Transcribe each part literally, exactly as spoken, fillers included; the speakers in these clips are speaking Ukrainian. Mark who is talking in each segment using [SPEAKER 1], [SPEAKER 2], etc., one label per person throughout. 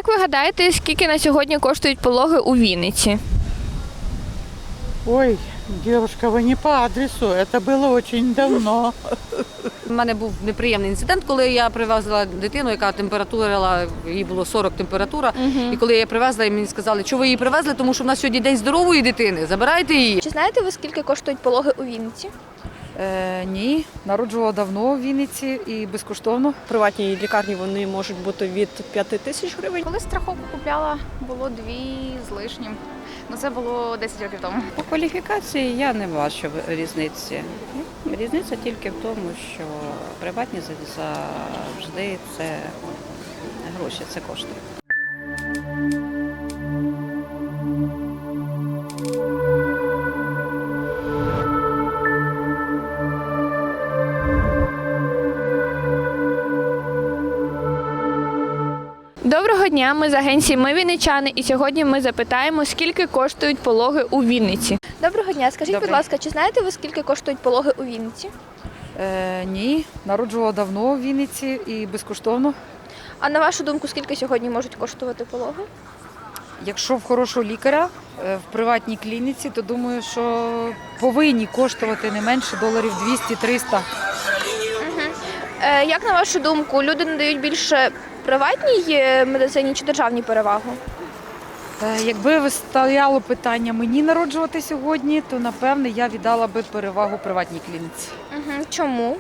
[SPEAKER 1] як ви гадаєте, скільки на сьогодні коштують пологи у Вінниці?
[SPEAKER 2] Ой, девушка, вы не по адресу, это было очень давно.
[SPEAKER 3] У мене був неприємний інцидент, коли я привезла дитину, яка температурила, їй було сорок температура.
[SPEAKER 1] Угу.
[SPEAKER 3] І коли я її привезла, і мені сказали, що ви її привезли, тому що в нас сьогодні день здорової дитини, забирайте її.
[SPEAKER 1] Чи знаєте ви, скільки коштують пологи у Вінниці?
[SPEAKER 4] Е, ні, народжувала давно в Вінниці і безкоштовно.
[SPEAKER 5] В приватній лікарні вони можуть бути від п'яти тисяч гривень.
[SPEAKER 6] Коли страховку купляла, було дві з лишнім. Ну це було десять років тому.
[SPEAKER 7] По кваліфікації я не бачу різниці. Різниця тільки в тому, що приватні завжди це гроші, це кошти.
[SPEAKER 1] Доброго дня, ми з агенції «Ми вінничани» і сьогодні ми запитаємо, скільки коштують пологи у Вінниці. Доброго дня, скажіть,
[SPEAKER 4] Добре.
[SPEAKER 1] будь ласка, чи знаєте ви, скільки коштують пологи у Вінниці?
[SPEAKER 4] Е, ні, народжувала давно в Вінниці і безкоштовно.
[SPEAKER 1] А на вашу думку, скільки сьогодні можуть коштувати пологи?
[SPEAKER 4] Якщо в хорошого лікаря е, в приватній клініці, то думаю, що повинні коштувати не менше доларів двісті-триста.
[SPEAKER 1] Е, як на вашу думку, люди надають більше приватній е, медицині чи державній перевагу?
[SPEAKER 4] Е, якби стояло питання мені народжувати сьогодні, то напевне я віддала би перевагу приватній клініці.
[SPEAKER 1] Угу. Чому?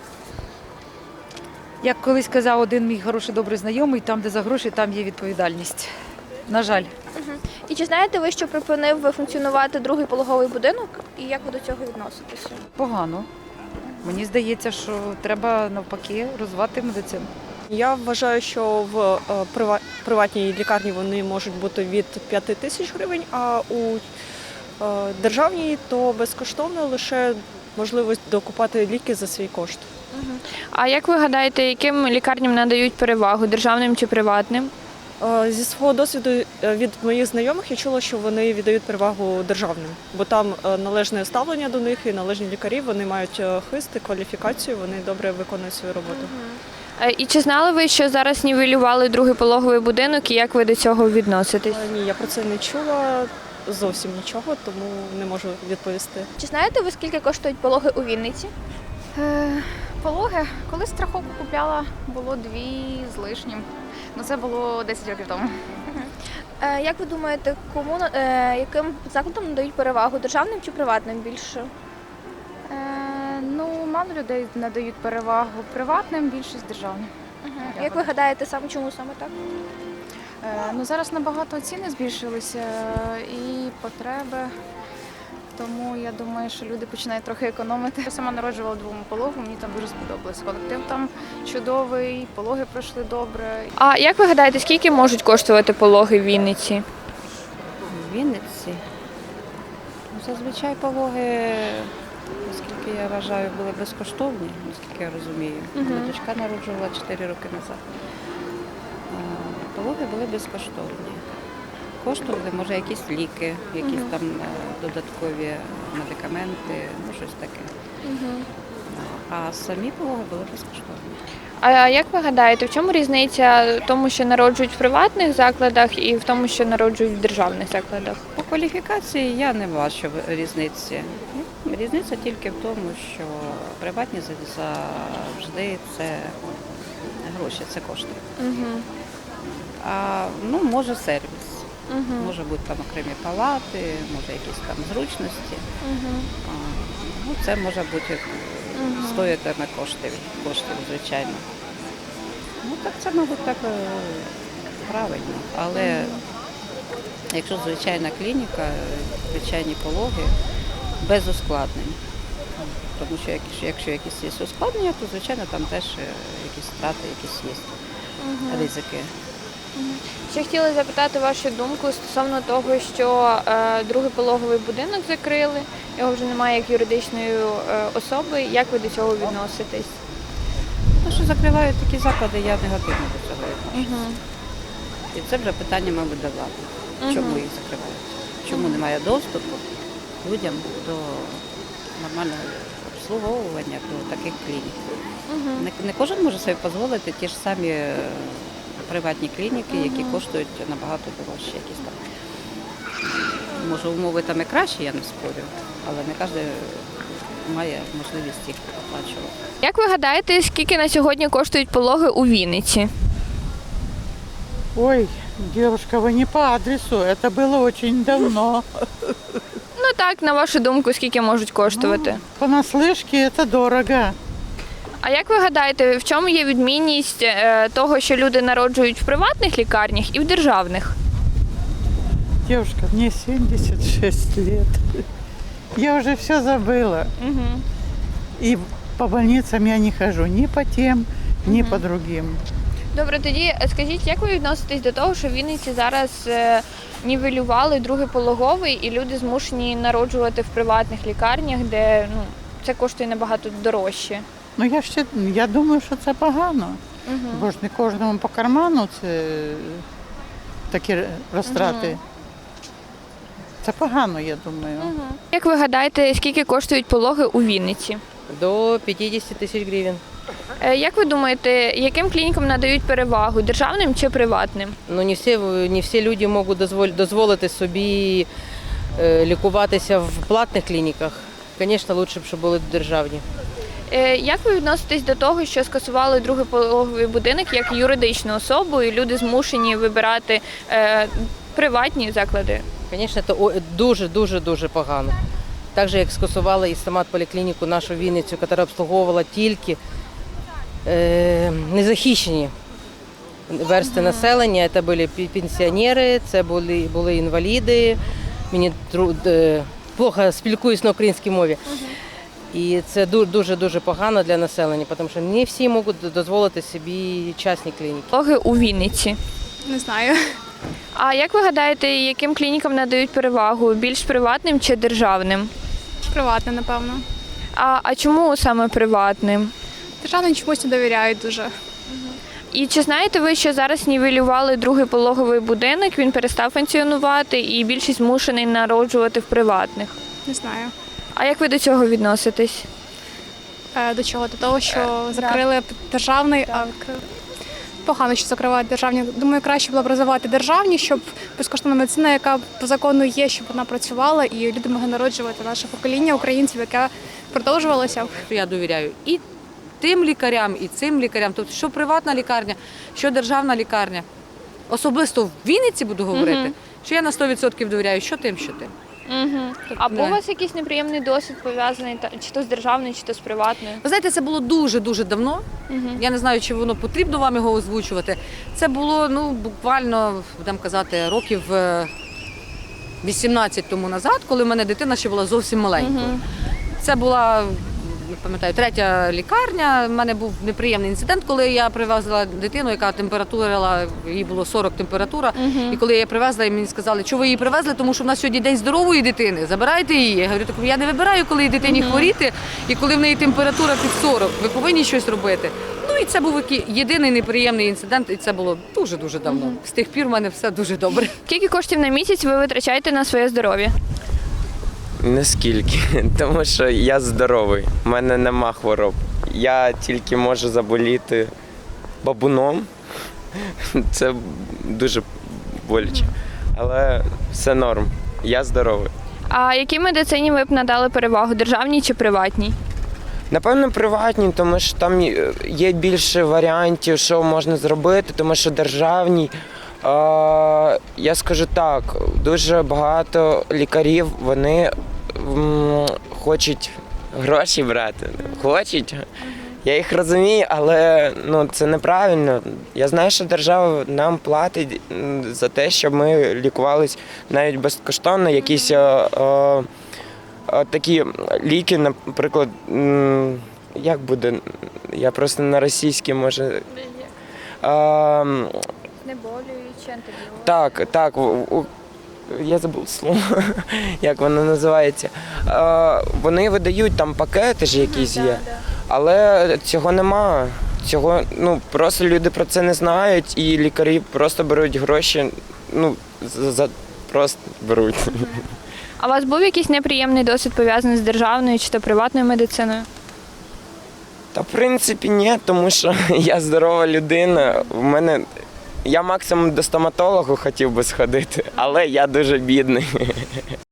[SPEAKER 4] Як колись казав один мій хороший добрий знайомий, там, де за гроші, там є відповідальність. На жаль.
[SPEAKER 1] Угу. І чи знаєте ви, що припинив функціонувати другий пологовий будинок? І як ви до цього відноситеся?
[SPEAKER 4] Погано. Мені здається, що треба навпаки розвивати медицину.
[SPEAKER 5] Я вважаю, що в е, прива- приватній лікарні вони можуть бути від п'яти тисяч гривень, а у е, державній то безкоштовно лише можливість докупати ліки за свій кошт.
[SPEAKER 1] А як ви гадаєте, яким лікарням надають перевагу, державним чи приватним?
[SPEAKER 5] Е, Зі свого досвіду е, від моїх знайомих я чула, що вони віддають перевагу державним, бо там е, належне ставлення до них і належні лікарі, вони мають е, хист і кваліфікацію, вони добре виконують свою роботу.
[SPEAKER 1] Е, І чи знали ви, що зараз нівелювали другий пологовий будинок і як ви до цього відноситесь?
[SPEAKER 5] Е, Ні, я про це не чула зовсім нічого, тому не можу відповісти.
[SPEAKER 1] Чи знаєте ви, скільки коштують пологи у Вінниці?
[SPEAKER 6] Е, пологи, коли страховку купляла, було дві з лишнім. Ну це було десять років тому.
[SPEAKER 1] Е, Як ви думаєте, кому на- е, яким закладам надають перевагу, державним чи приватним більше?
[SPEAKER 6] Е, ну, мало людей надають перевагу приватним, більшість державним.
[SPEAKER 1] Як ви гадаєте, саме чому саме так?
[SPEAKER 6] Е, ну, зараз набагато ціни збільшилися і потреби. Тому я думаю, що люди починають трохи економити. Я сама народжувала двом пологом, мені там дуже сподобалось. Колектив там чудовий, пологи пройшли добре.
[SPEAKER 1] А як ви гадаєте, скільки можуть коштувати пологи в Вінниці?
[SPEAKER 7] В Вінниці ну, зазвичай пологи, оскільки я вважаю, були безкоштовні, наскільки я розумію.
[SPEAKER 1] Мгм.
[SPEAKER 7] Моя дочка народжувала чотири роки назад. А, Пологи були безкоштовні. Коштували, може, якісь ліки, якісь
[SPEAKER 1] Мгм.
[SPEAKER 7] там е, додаткові медикаменти, ну щось таке. А самі пологи були безкоштовні.
[SPEAKER 1] А як ви гадаєте, в чому різниця в тому, що народжують в приватних закладах і в тому, що народжують в державних закладах?
[SPEAKER 7] По кваліфікації я не бачу різниці. Різниця тільки в тому, що приватні завжди це гроші, це кошти.
[SPEAKER 1] Угу.
[SPEAKER 7] А ну, може сервіс,
[SPEAKER 1] Угу.
[SPEAKER 7] може бути там окремі палати, може якісь там зручності.
[SPEAKER 1] Угу.
[SPEAKER 7] А, ну, це може бути стоїтиме коштів, коштів, звичайно. Ну так це, мабуть, так е, правильно. Але якщо звичайна клініка, звичайні пологи, без ускладнень. Тому що якщо, якщо якісь є ускладнення, то звичайно там теж е, якісь втрати, якісь є ризики.
[SPEAKER 1] Ще хотіла запитати вашу думку стосовно того, що е, другий пологовий будинок закрили, його вже немає як юридичної е, особи. Як ви до цього відноситесь?
[SPEAKER 7] Те, що закривають такі заклади, я негативно до цього відношуся. І це вже питання, мабуть, до влади. Чому їх закривають? Чому немає доступу людям до нормального обслуговування, до таких клінік? Не, не кожен може собі дозволити ті ж самі е, приватні клініки, які коштують набагато дорожче. Якісь там. Може, умови там і кращі, я не спорю, але не кожен має можливість їх оплачувати.
[SPEAKER 1] Як ви гадаєте, скільки на сьогодні коштують пологи у Вінниці?
[SPEAKER 2] Ой, девушка, вы не по адресу. Это было очень давно.
[SPEAKER 1] Ну так, на вашу думку, скільки можуть коштувати?
[SPEAKER 2] Понаслышке это дорого.
[SPEAKER 1] А як ви гадаєте, в чому є відмінність е, того, що люди народжують в приватних лікарнях і в державних?
[SPEAKER 2] Девушка, мне семьдесят шесть лет. Я уже все забыла.
[SPEAKER 1] Угу.
[SPEAKER 2] И по больницам я не хожу ни по тем, ни по другим.
[SPEAKER 1] Добре, тоді е, скажіть, як ви відноситесь до того, що в Вінниці зараз е, нівелювали другий пологовий і люди змушені народжувати в приватних лікарнях, де ну, це коштує набагато дорожче?
[SPEAKER 2] Ну я ще я думаю, що це погано.
[SPEAKER 1] Угу.
[SPEAKER 2] Бо ж не кожному по карману це такі розтрати.
[SPEAKER 1] Мгм.
[SPEAKER 2] Це погано, я думаю.
[SPEAKER 1] Угу. Як ви гадаєте, скільки коштують пологи у Вінниці?
[SPEAKER 8] До пятидесяти тисяч гривень.
[SPEAKER 1] Е, Як ви думаєте, яким клінікам надають перевагу державним чи приватним?
[SPEAKER 8] Ну не всі, не всі люди можуть дозволити, дозволити собі е, лікуватися в платних клініках. Звісно, краще б, щоб були державні.
[SPEAKER 1] Е, Як ви відноситесь до того, що скасували другий пологовий будинок як юридичну особу, і люди змушені вибирати е, приватні заклади?
[SPEAKER 8] Звісно, це дуже-дуже-дуже погано. Так же, як скасували і сама поліклініку нашу Вінницю, яка обслуговувала тільки е, незахищені версти uh-huh. населення. Це були пенсіонери, це були, були інваліди. Мені е, плохо спілкуюсь на українській мові. Uh-huh. І це дуже-дуже погано для населення, тому що не всі можуть дозволити собі частні клініки.
[SPEAKER 1] Пологи у Вінниці.
[SPEAKER 6] Не знаю.
[SPEAKER 1] А як ви гадаєте, яким клінікам надають перевагу? Більш приватним чи державним?
[SPEAKER 6] Приватне, напевно.
[SPEAKER 1] А, а чому саме приватним?
[SPEAKER 6] Державним чомусь не довіряють дуже.
[SPEAKER 1] І чи знаєте ви, що зараз нівелювали другий пологовий будинок, він перестав функціонувати і більшість змушений народжувати в приватних?
[SPEAKER 6] Не знаю.
[SPEAKER 1] А як ви до цього відноситесь?
[SPEAKER 6] Е, до чого? До того, що закрили державний, а відкрили. Погано, що закривають державні. Думаю, краще було б розвивати державні, щоб безкоштовна медицина, яка по закону є, щоб вона працювала і люди могли народжувати наше покоління українців, яке продовжувалося.
[SPEAKER 3] Я довіряю і тим лікарям, і цим лікарям. Тобто, що приватна лікарня, що державна лікарня. Особисто в Вінниці буду говорити,
[SPEAKER 1] Мгм.
[SPEAKER 3] що я на сто відсотків довіряю, що тим, що тим.
[SPEAKER 1] Угу. А був
[SPEAKER 3] не.
[SPEAKER 1] у вас якийсь неприємний досвід пов'язаний та- чи то з державною, чи то з приватною?
[SPEAKER 3] Ви знаєте, це було дуже-дуже давно.
[SPEAKER 1] Угу.
[SPEAKER 3] Я не знаю, чи воно потрібно вам його озвучувати. Це було ну, буквально, будемо казати, років е, вісімнадцять тому назад, коли в мене дитина ще була зовсім маленькою.
[SPEAKER 1] Угу.
[SPEAKER 3] Це була, не пам'ятаю, третя лікарня. У мене був неприємний інцидент, коли я привезла дитину, яка температурила, їй було сорок температура.
[SPEAKER 1] Угу.
[SPEAKER 3] І коли я її привезла, і мені сказали, що ви її привезли, тому що в нас сьогодні день здорової дитини, забирайте її. Я говорю, так я не вибираю, коли дитині
[SPEAKER 1] Мгм.
[SPEAKER 3] хворіти, і коли в неї температура під сорок. Ви повинні щось робити. Ну і це був який- єдиний неприємний інцидент, і це було дуже-дуже давно.
[SPEAKER 1] Мгм.
[SPEAKER 3] З тих пір в мене все дуже добре.
[SPEAKER 1] Скільки коштів на місяць ви витрачаєте на своє здоров'я?
[SPEAKER 9] Наскільки, тому що я здоровий, в мене нема хвороб. Я тільки можу заболіти бабуном. Це дуже боляче. Але все норм. Я здоровий.
[SPEAKER 1] А якій медицині ви б надали перевагу, державній чи приватній?
[SPEAKER 9] Напевно, приватні, тому що там є більше варіантів, що можна зробити, тому що державні. Е, я скажу так, дуже багато лікарів, вони м, хочуть гроші брати. Хочуть. Я їх розумію, але ну, це неправильно. Я знаю, що держава нам платить м, за те, щоб ми лікувались навіть безкоштовно. Якісь е, е, е, такі ліки, наприклад, м, як буде, я просто на російській може. Е,
[SPEAKER 1] Знеболюючі, антибіотики.
[SPEAKER 9] так, так. у- у- Я забув слово, як воно називається. Е, вони видають там пакети ж якісь є, але цього нема. Цього, ну, просто люди про це не знають, і лікарі просто беруть гроші, ну, за, за просто беруть.
[SPEAKER 1] А у вас був якийсь неприємний досвід пов'язаний з державною чи то приватною медициною?
[SPEAKER 9] Та в принципі ні, тому що я здорова людина. У мене Я максимум до стоматологу хотів би сходити, але я дуже бідний.